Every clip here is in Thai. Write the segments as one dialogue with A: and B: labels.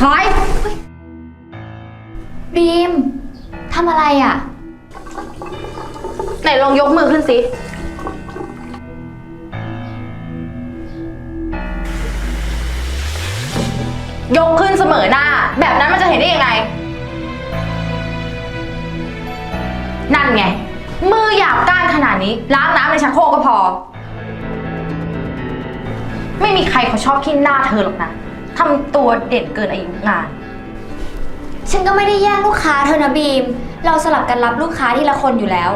A: ถอยบีมทำอะไรอ่ะ
B: ไหนลองยกมือขึ้นสิยกขึ้นเสมอหน้าแบบนั้นมันจะเห็นได้ยังไงนั่นไงมือหยาบก้านขนาดนี้ล้างน้ำในชักโครกก็พอไม่มีใครเขาชอบขี้หน้าเธอหรอกนะทำตัวเด่นเกินอายุงาน
A: ฉันก็ไม่ได้แย่งลูกค้าเธอนะบีมเราสลับกันรับลูกค้าทีละคนอยู่แล้ว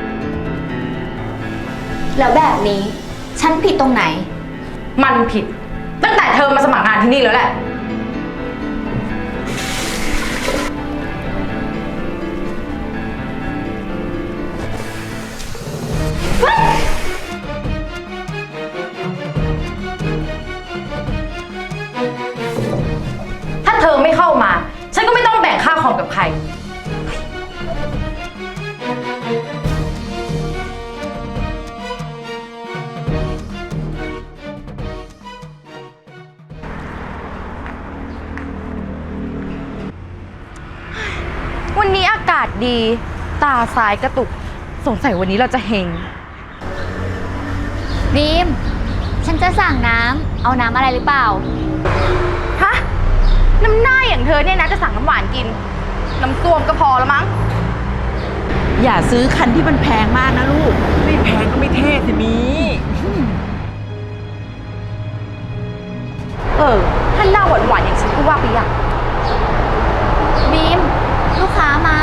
A: แล้วแบบนี้ฉันผิดตรงไหน
B: มันผิดตั้งแต่เธอมาสมัครงานที่นี่แล้วแหละถ้าเธอไม่เข้ามาฉันก็ไม่ต้องแบ่งค่าคอมกับใครวันนี้อากาศดีตาซ้ายกระตุกสงสัยวันนี้เราจะเฮง
A: บีมฉันจะสั่งน้ำเอาน้ำอะไรหรือเปล่า
B: ฮะน้ำหน้าอย่างเธอเนี่ยนะจะสั่งน้ำหวานกินน้ำส้วมก็พอแล้วมั้ง
C: อย่าซื้อคันที่มันแพงมากนะลูก
D: ไม่แพงก็ไม่เท่สิมี
B: ถ้าหน้าหวานๆอย่างฉันก็ว่าไปอย่าง
A: บีมลูกค้ามา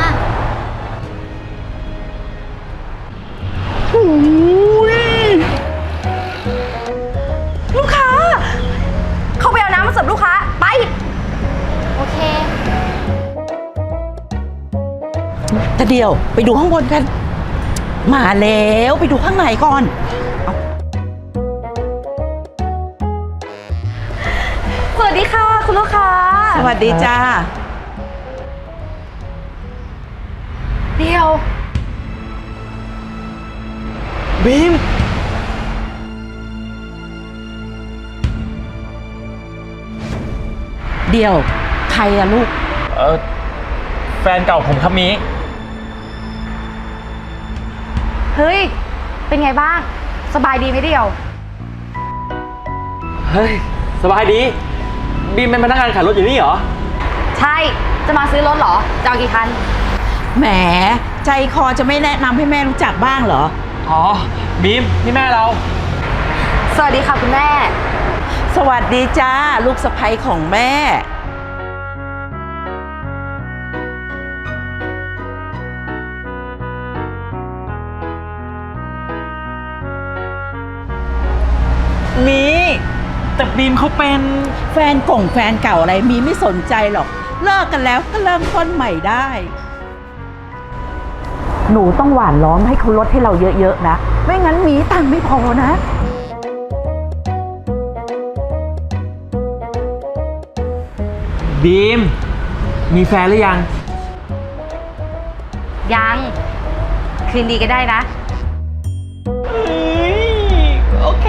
B: ลูกค้าเข้าไปเอาน้ำมาเสิร์ฟลูกค้าไป
A: โอเค
C: แต่เดี๋ยวไปดูข้างบนกันมาแล้วไปดูข้างในก่อน
B: สวัสดีค่ะคุณลูกค้า
C: สวัสดีจ้า
B: เดียว
D: บีม
C: เดี๋ยวใครอะลูก
D: แฟนเก่าผมครับมี
B: เฮ้ยเป็นไงบ้างสบายดีไหมเดียว
D: เฮ้ยสบายดีบีมเป็นพนักงานขายรถอยู่นี่เหรอ
B: ใช่จะมาซื้อรถเหรอจะเอากี่คัน
C: แหมใจคอจะไม่แนะนำให้แม่รู้จักบ้างเหรอ
D: อ๋อบีมนี่แม่เรา
B: สวัสดีค่ะคุณแม่
C: สวัสดีจ้าลูกสะใภ้ของแม่
D: มีแต่บีมเขาเป็น
C: แฟนเก่าอะไรมีไม่สนใจหรอกเลิกกันแล้วก็เริ่มต้นใหม่ได้หนูต้องหว่านล้อมให้เขาลดให้เราเยอะๆนะไม่งั้นมีตังค์ไม่พอนะ
D: บีมมีแฟนหรือยัง
B: ยังคืนดีก็ได้นะ
D: โอเค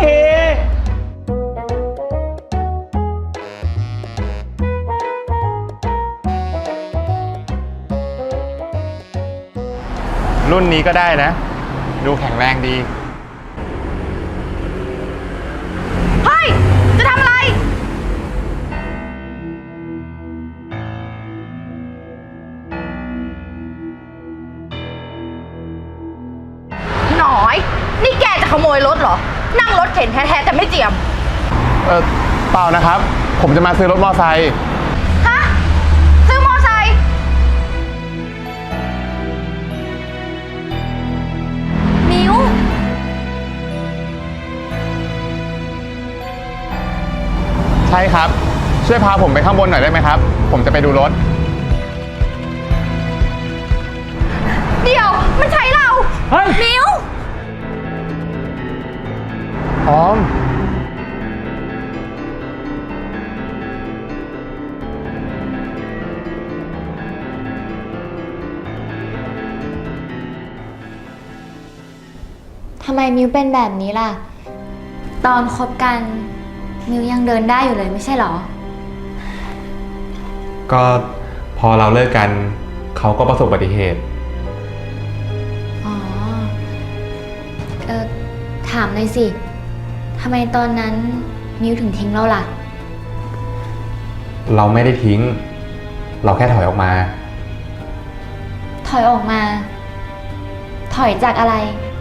E: รุ่นนี้ก็ได้นะดูแข็งแรงดี
B: เฮ้ยจะทำอะไรหน่อยนี่แกจะขโมยรถเหรอนั่งรถเข็นแท้ๆแต่ไม่เจียม
E: เปล่านะครับผมจะมาซื้อรถมอไซค์
B: ฮะซื้อมอไซค์
A: มิว
E: ใช่ครับช่วยพาผมไปข้างบนหน่อยได้ไหมครับผมจะไปดูรถ
B: เดี๋ยวไม่ใช่เรา
D: เฮ้ย
B: มิว
E: ออม
A: ทำไมมิวเป็นแบบนี้ล่ะตอนคบกันมิวยังเดินได้อยู่เลยไม่ใช่หรอ
E: ก็พอเราเลิกกันเขาก็ประสบอุบัติเหตุ
A: อ๋อ ถามหน่อยสิทำไมตอนนั้นมิวถึงทิ้งเราล่ะ
E: เราไม่ได้ทิ้ง เราแค่ถอยออกมา
A: ถอยออกมา ถอยจากอะไร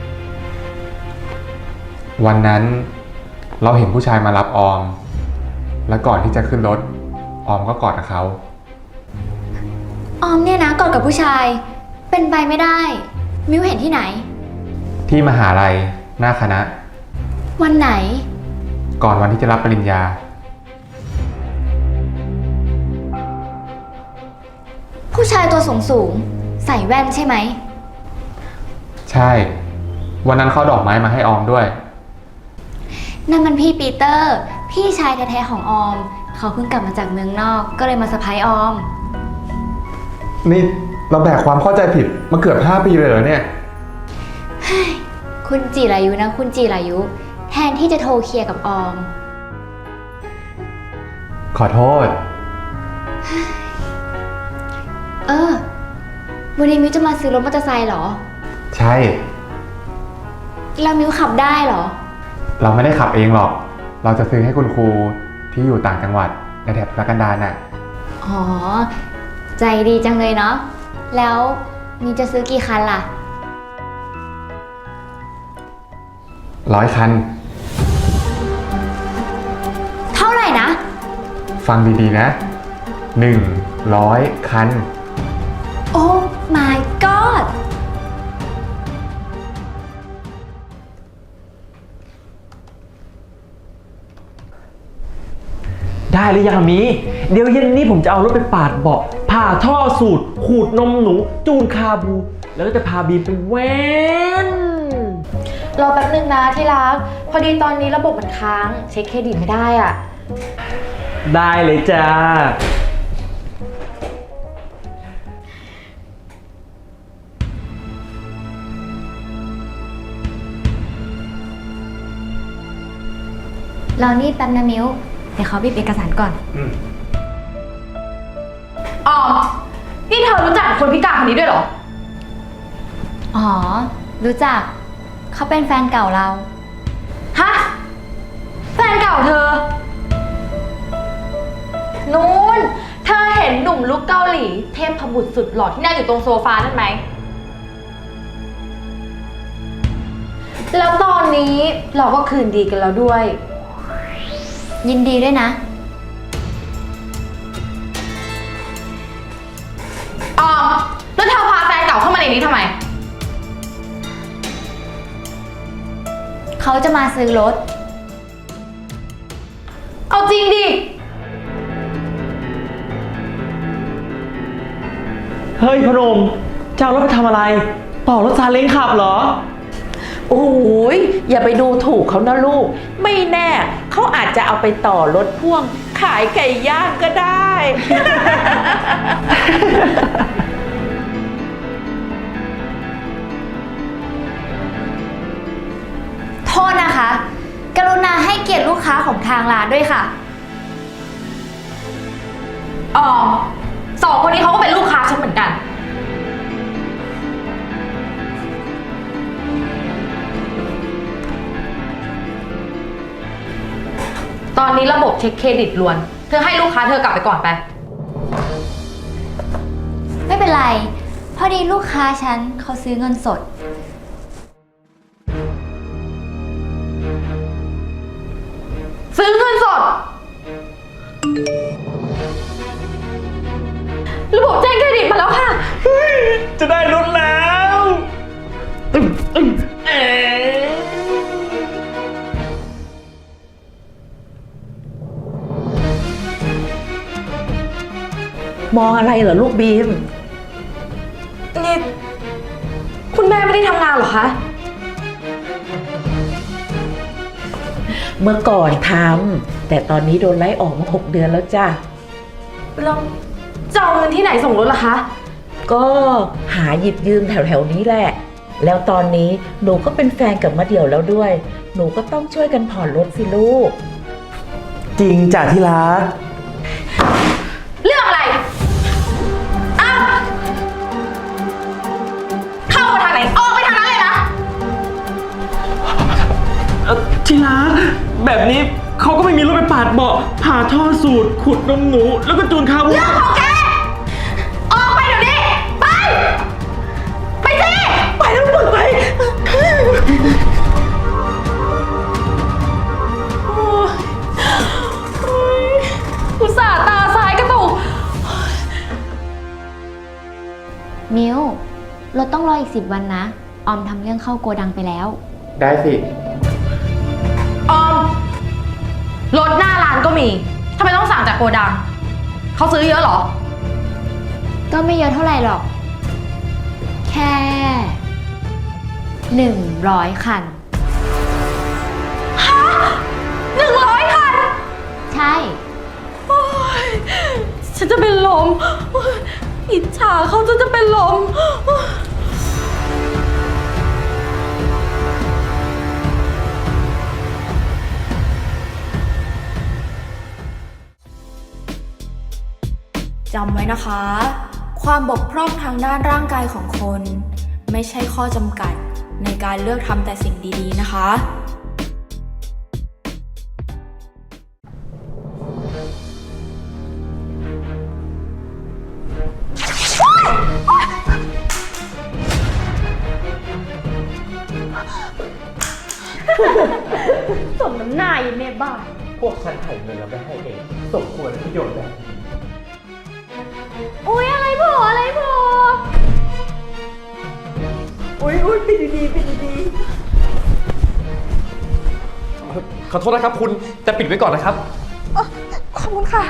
E: วันนั้นเราเห็นผู้ชายมารับออม และก่อนที่จะขึ้นรถออมก็กอดกับเขา
A: ออมเนี่ยนะกอดกับผู้ชาย เป็นไปไม่ได้ มิวเห็นที่ไหน
E: ที่มหาลัยหน้าคณะ
A: วันไหน
E: ก่อนวันที่จะรับปริญญา
A: ผู้ชายตัวสูงสูงใส่แว่นใช่ไหม
E: ใช่ วันนั้นเขาดอกไม้มาให้ออมด้วย
A: นั่นมันพี่ปีเตอร์ พี่ชายแท้ๆของออม เขาเพิ่งกลับมาจากเมืองนอก ก็เลยมาเซอร์ไพรส์ออม
E: นี่เราแบกความเข้าใจผิดมาเกือบ5 ปีเลยเหรอเนี่ย
A: คุณจิรายุนะ คุณจิรายุ แทนที่จะโทรเคลียร์กับออม
E: ขอโทษ
A: วันนี้มิวจะมาซื้อรถมอเตอร์ไซค์เหรอ
E: ใช่
A: แล้วมิวขับได้เหรอ
E: เราไม่ได้ขับเองหรอก เราจะซื้อให้คุณครูที่อยู่ต่างจังหวัดในแถบทุรกันดารน่ะ
A: อ๋อ ใจดีจังเลยเนาะ แล้วมิวจะซื้อกี่คันล่ะ
E: 100 คัน
A: เท่าไหร่นะ
E: ฟังดีๆนะ 100 คัน
A: โอ้ my god
D: ได้หรือยังมี เดี๋ยวเย็นนี้ผมจะเอารถไปปาดเบาะผ่าท่อสูตร ขูดนมหนู จูนคาบู แล้วก็จะพาบีมไปเว้น
B: รอแป๊บนึงนะที่รัก พอดีตอนนี้ระบบมันค้าง เช็คเครดิตไม่ได้อ่ะ
D: ได้เลยจ้า
A: เรานี่แป๊บนะมิวเดี๋ยวเขาบีบเอกสารก่อน
B: อ๋อ นี่เธอรู้จักกับคนพิการคนนี้ด้วยเหรอ
A: อ๋อ รู้จัก เขาเป็นแฟนเก่าเรา
B: ฮะ แฟนเก่าเธอ นูนเธอเห็นหนุ่มลุกเกาหลี เทพบุตรสุดหล่อที่นั่งอยู่ตรงโซฟานั่นไหม แล้วตอนนี้เราก็คืนดีกันแล้วด้วย
A: ยินดีด้วยนะ
B: อ๋อ แล้วเธอพาแฟนเก่าเข้ามาในนี้ทำไม
A: เขาจะมาซื้อรถ
B: เอาจริงดิ
D: เฮ้ยพนมจะเอารถไปทำอะไร ต่อรถซาเล้งขับเหรอ
C: โอ้ยอย่าไปดูถูกเขานะลูก ไม่แน่เขาอาจจะเอาไปต่อรถพ่วง ขายไก่ย่างก็ได้
A: โทษนะคะ กรุณาให้เกียรติลูกค้าของทางร้านด้วยค่ะ
B: อ๋อ สองคนนี้เขาก็เป็นลูกค้าฉันเหมือนกัน ตอนนี้ระบบเช็คเครดิตล้วน เธอให้ลูกค้าเธอกลับไปก่อนไป
A: ไม่เป็นไร พอดีลูกค้าฉันเขาซื้อเงินสด
B: ซื้อเงินสด ระบบแจ้งเครดิตมาแล้วค่ะ
D: จะได้รถแล้วเอ๊ะ
C: มองอะไรเหรอลูกบีม
B: นี่ คุณแม่ไม่ได้ทำงานเหรอคะ
C: เมื่อก่อนทำแต่ตอนนี้โดนไล่ออกมา6 เดือนแล้วจ้ะ
B: แล้วจะเอาเงินที่ไหนส่งรถล่ะคะ
C: ก็หาหยิบยืมแถวๆนี้แหละ แล้วตอนนี้หนูก็เป็นแฟนกับมะเดี่ยวแล้วด้วย หนูก็ต้องช่วยกันผ่อนรถสิลูก
D: จริงจ้ะที่รัก
B: เรื่องอะไร
D: แบบนี้เขาก็ไม่มีรถไปปาดเบาะผ่าท่อสูตรขุดนมหนูแล้วก็จูนคาบู
B: เรื่องของแก ออกไปเดี๋ยวนี้ ไป ไปสิ ไปแล้วมึงไป อุตส่าห์ตาซ้ายกระตุก
A: มิวรถต้องรออีก10 วันนะ ออมทำเรื่องเข้าโกดังไปแล้ว
E: ได้สิ
B: ออม รถหน้าร้านก็มี ทำไมต้องสั่งจากโกดัง เขาซื้อเยอะเหรอ
A: ก็ไม่เยอะเท่าไหร่หรอก แค่100 คัน
B: 100 คัน
A: ใช่
B: ฉันจะเป็นลม อิจฉาเขาจะเป็นลม
F: จำไว้นะคะ ความบกพร่องทางด้านร่างกายของคน ไม่ใช่ข้อจำกัดในการเลือกทำแต่สิ่งดีๆนะคะ
B: สมน้ำหน้าอยู่ในบ้าน
D: พวกฉันถ่ายเงินแล้วไม่ให้เองสมควรประโยชน์แบบนี้
B: อุ๊ย อะไรโผล่อะไรโผล่
D: อุ้ยปิดดีๆปิดดีๆขอโทษนะครับคุณแต่ปิดไว้ก่อนนะครับ
B: ขอบคุณค่ะ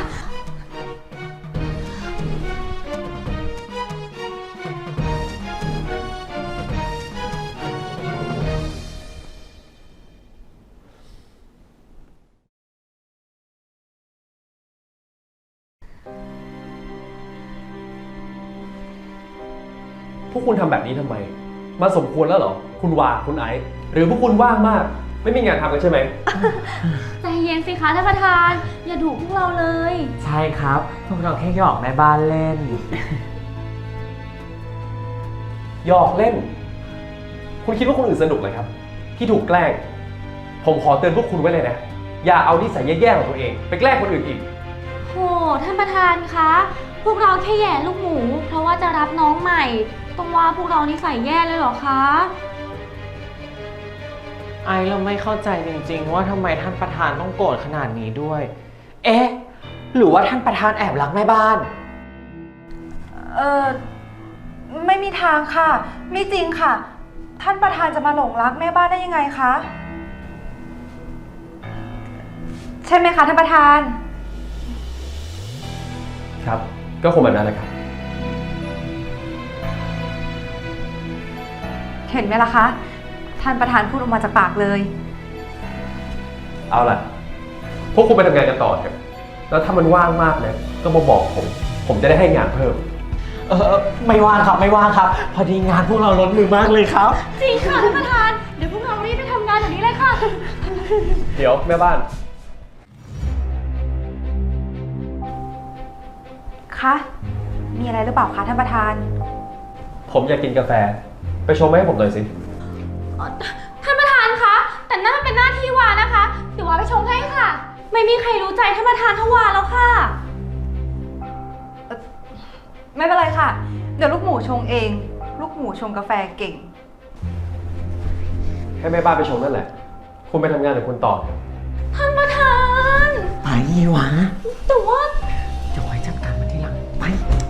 D: พวกคุณทำแบบนี้ทำไม มาสมควรแล้วเหรอ คุณวาคุณไอซ์หรือพวกคุณว่างมาก ไม่มีงานทำกันใช่ไหม
A: ใจเย็นสิคะท่านประธาน อย่าดุพวกเราเลย
G: ใช่ครับ พวกเราแค่หยอกแม่บ้านเล่น
D: หยอกเล่น คุณคิดว่าคนอื่นสนุกเลยครับ ที่ถูกแกล้ง ผมขอเตือนพวกคุณไว้เลยนะ อย่าเอานิสัยแย่ๆของตัวเอง ไปแกล้งคนอื่นอีก
A: โห ท่านประธานคะ พวกเราแค่แย่ลูกหมู เพราะว่าจะรับน้องใหม่ ต้องว่าพวกเรานิสัยแย่เลยเหรอคะ
G: ไอเราไม่เข้าใจจริงๆ ว่าทำไมท่านประธานต้องโกรธขนาดนี้ด้วย เอ๊ะ หรือว่าท่านประธานแอบรักแม่บ้าน
B: ไม่มีทางค่ะ ไม่จริงค่ะ ท่านประธานจะมาหลงรักแม่บ้านได้ยังไงคะ ใช่ไหมคะท่านประธาน
D: ครับ ก็คงแบบนั้นแหละครับ
B: เห็นไหมล่ะคะ ท่านประธานพูดออกมาจากปากเลย
D: เอาล่ะ พวกคุณไปทำงานกันต่อเถอะแล้วถ้ามันว่างมากนะก็มาบอกผมจะได้ให้งานเพิ่ม
G: ไม่ว่างครับ ไม่ว่างครับ พอดีงานพวกเราล้นมือมากเลยครับ
A: จริงค่ะท่านประธาน เดี๋ยวพวกเรารีบไปทำงานแบบนี้เลยค่ะ
D: เดี๋ยวแม่บ้าน
B: คะ มีอะไรหรือเปล่าคะท่านประธาน
D: ผมอยากกินกาแฟ ไปชงมาให้ผมหน่อยสิ
A: ท่านประธานคะ แต่นั่นมันเป็นหน้าที่วานะคะ เดี๋ยววาไปชงให้ค่ะ ไม่มีใครรู้ใจท่านประธานเท่าวาแล้วค่ะ
B: ไม่เป็นไรค่ะ เดี๋ยวลูกหมูชงเอง ลูกหมูชงกาแฟเก่ง
D: ให้แม่บ้านไปชงนั่นแหละ คุณไปทำงานของคุณต่อเถอะ
A: ท่านประธาน
G: ไปวะ
A: แต่ว่า
G: เดี๋ยวไว้จัดการมันทีหลัง ไป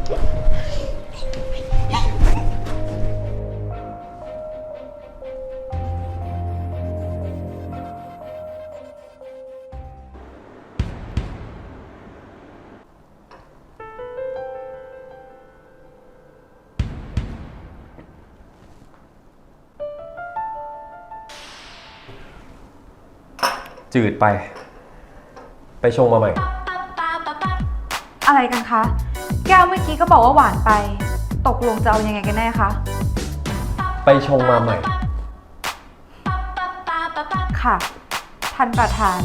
D: จืดไป ไปชงมาใหม่
B: อะไรกันคะ แก้วเมื่อกี้ก็บอกว่าหวานไป ตกลงจะเอายังไงกันแน่คะ
D: ไปชงมาใหม่
B: ค่ะ ท่านประธาน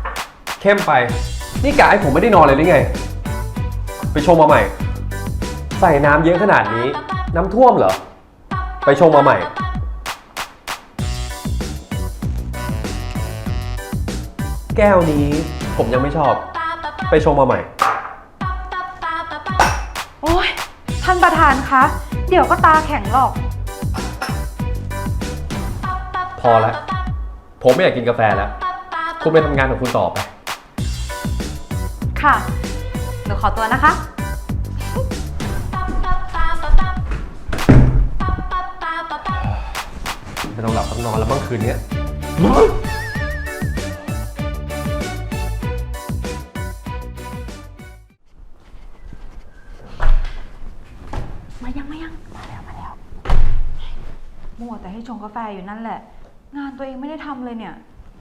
D: เข้มไป นี่กะให้ผมไม่ได้นอนเลยหรือไง ไปชงมาใหม่
H: ใส่น้ำเยอะขนาดนี้ น้ำท่วมเหรอ ไปชงมาใหม่ แก้วนี้ผมยังไม่ชอบ ไปชงมาใหม่
B: โอ้ยท่านประธานคะ เดี๋ยวก็ตาแข็งหรอก
H: พอแล้ว ผมไม่อยากกินกาแฟแล้ว คุณไปทำงานของคุณต่อไป
B: ค่ะ หนูขอตัวนะคะ
H: ไม่ต้องหลับต้องนอนแล้วบ้างคืนนี้
B: มัวแต่ให้ชงกาแฟอยู่นั่นแหละ งานตัวเองไม่ได้ทำเลยเนี่ย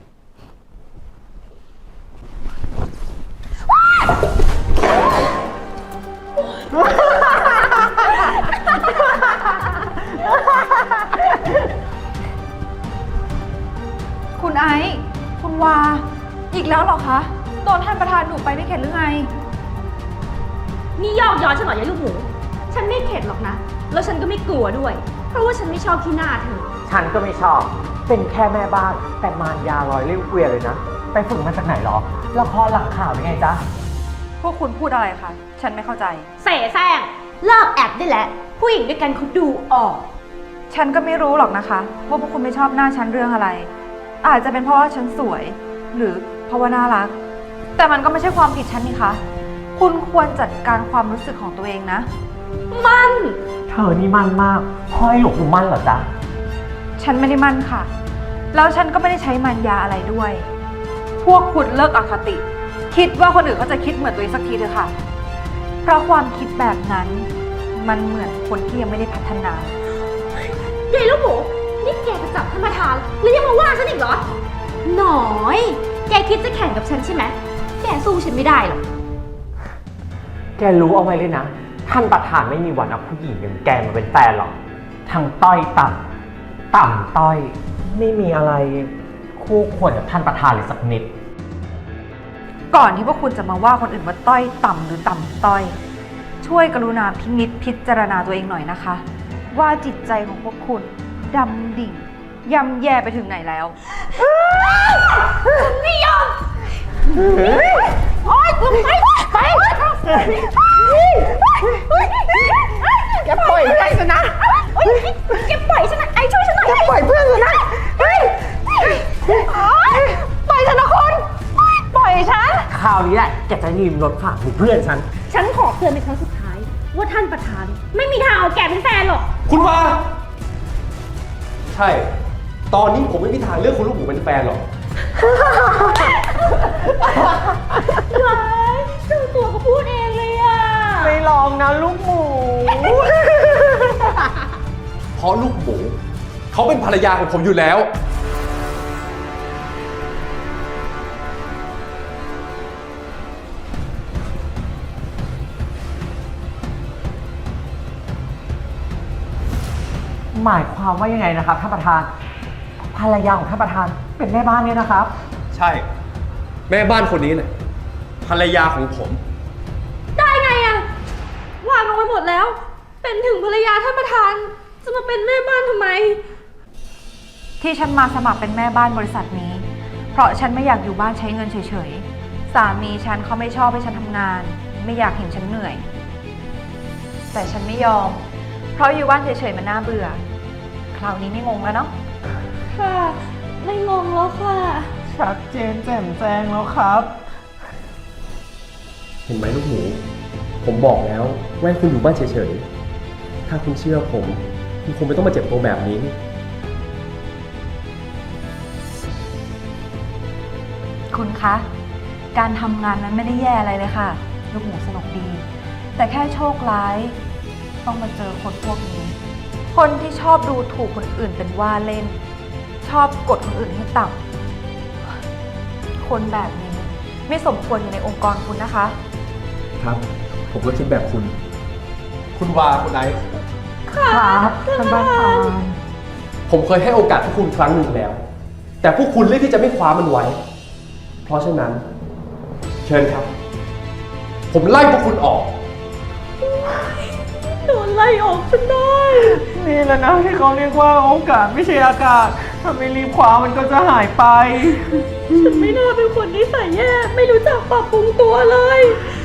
B: คุณไอซ์คุณวา อีกแล้วเหรอคะ โดนท่านประธานดุไปไม่เข็ดหรือไง
I: นี่ยอกย้อนฉันเหรอยายลูกหมู ฉันไม่เข็ดหรอกนะ แล้วฉันก็ไม่กลัวด้วย เพราะว่าฉันไม่ชอบขี้หน้าเธอ
G: ฉันก็ไม่ชอบ เป็นแค่แม่บ้าน แต่มารยาลอยเลี้ยวเกวียนเลยนะ ไปฝึกมาจากไหนหรอละครหลังข่าวยังไงจ๊ะ
B: พวกคุณพูดอะไรคะ ฉันไม่เข้าใจ
I: เสแสร้งเลิกแอบได้แล้ว ผู้หญิงด้วยกันเขาดูออก
B: ฉันก็ไม่รู้หรอกนะคะว่าพวกคุณไม่ชอบหน้าฉันเรื่องอะไร อาจจะเป็นเพราะว่าฉันสวย หรือเพราะว่าน่ารัก แต่มันก็ไม่ใช่ความผิดฉันนี่คะ คุณควรจัดการความรู้สึกของตัวเองนะ
I: มัน
G: เธอนี่มั่นมากพ่อให้หลวงปู่มั่นเหรอจ๊ะ
B: ฉันไม่ได้มั่นค่ะ แล้วฉันก็ไม่ได้ใช้มันยาอะไรด้วย พวกคุณเลิกอคติ คิดว่าคนอื่นเขาจะคิดเหมือนตัวเองสักทีเถอะค่ะ เพราะความคิดแบบนั้น มันเหมือนคนที่ยังไม่ได้พัฒนา
I: ยายลูกหมู นี่แกจะจับท่านประธานแล้วยังมาว่าฉันอีกเหรอ หน่อย แกคิดจะแข่งกับฉันใช่ไหม แกสู้ฉันไม่ได้หรอก
G: แกรู้เอาไว้เลยนะ ท่านประธานไม่มีวันเอาผู้หญิงอย่างแกมาเป็นแฟนหรอกทั้งต้อยต่ำต่ำต้อย ไม่มีอะไรคู่ควรกับท่านประธานเลยสักนิด
B: ก่อนที่พวกคุณจะมาว่าคนอื่นว่าต้อยต่ำหรือต่ำต้อย ช่วยกรุณาพินิจพิจารณาตัวเองหน่อยนะคะ ว่าจิตใจของพวกคุณดำดิ่งย่ำแย่ไปถึงไหนแล้ว
I: ไม่ยอม โอ๊ยไปแกปล่อยเพื่อนฉันนะแกปล่อยฉันนะไอ้ช่วยฉันหน่อยแกปล่อยเพื่อนฉันนะปล่อยฉันนะคุณปล่อยฉัน
G: คราวนี้แหละแกจะยืมรถฝากเพื่อนฉัน
I: ฉันขอเตือนเป็นครั้งสุดท้าย ว่าท่านประธานไม่มีทางเอาแกเป็นแฟนหรอก
H: คุณว่า ใช่ ตอนนี้ผมไม่มีทางเลือกคุณลูกหมูเป็นแฟนหรอก
I: ว้ายเจ้าตัวก็พูดเองเลยอ่ะ
G: ไม่ลองนะลูกหมู
H: เพราะลูกหมู เขาเป็นภรรยาของผมอยู่แล้ว
G: หมายความว่ายังไงนะครับท่านประธาน ภรรยาของท่านประธานเป็นแม่บ้านเนี่ยนะครับ
H: ใช่ แม่บ้านคนนี้เนี่ยภรรยาของผม
I: ได้ไงอะวางเอาไว้หมดแล้ว เป็นถึงภรรยาท่านประธาน จะมาเป็นแม่บ้านทำไม
B: ที่ฉันมาสมัครเป็นแม่บ้านบริษัทนี้ เพราะฉันไม่อยากอยู่บ้านใช้เงินเฉยๆ สามีฉันเขาไม่ชอบให้ฉันทำงาน ไม่อยากเห็นฉันเหนื่อย แต่ฉันไม่ยอม เพราะอยู่บ้านเฉยๆมันน่าเบื่อ คราวนี้ไม่งงแล้วเนาะ
I: ค่ะ ไม่งงแล้วค่ะ
G: ชัดเจนแจ่มแจ้งแล้วครับ
H: เห็นไหมลูกหมู ผมบอกแล้วว่าให้คุณอยู่บ้านเฉยๆ ถ้าคุณเชื่อผม คุณคงไม่ต้องมาเจ็บตัวแบบนี้
B: คุณคะ การทำงานนั้นไม่ได้แย่อะไรเลยค่ะ ลูกหมูสนุกดี แต่แค่โชคร้าย ต้องมาเจอคนพวกนี้ คนที่ชอบดูถูกคนอื่นเป็นว่าเล่น ชอบกดคนอื่นให้ต่ำคนแบบนี้ไม่สมควรอยู่ในองค์กรคุณนะคะ
H: ครับ ผมก็คิดแบบคุณ คุณวาคุณไอซ์
G: ครับท่านประธาน
H: ผมเคยให้โอกาสพวกคุณครั้งหนึ่งแล้ว แต่พวกคุณเลือกที่จะไม่คว้ามันไว้ เพราะฉะนั้น เชิญครับ ผมไล่พวกคุณออก
I: ไ
G: ไล่ออกฉันได้ นี่แหละนะที่เขาเรียกว่าโอกาสไม่ใช่อากาศ ถ้าไม่รีบคว้ามันก็จะหายไป ฉันไม่น่าเป็นคนนิสัยแย่ ไม่รู้จักปรับปรุงตัวเลย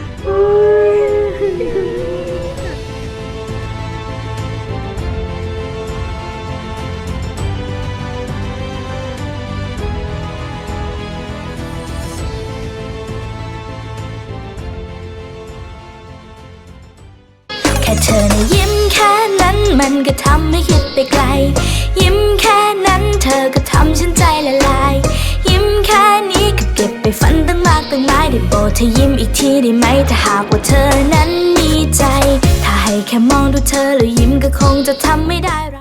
J: แค่เธอนะยิ้มแค่นั้นมันก็ทำให้คิดไปไกล ยิ้มแค่นั้นเธอก็ทำฉันใจละลาย ยิ้มแค่นี้ก็เก็บไปฝันตั้งมากตั้งหลายได้โปรดเธอยิ้มอีกทีได้ไหมถ้าหากว่าเธอนั้นมีใจ ถ้าให้แค่มองดูเธอแล้วยิ้มก็คงจะทำไม่ได้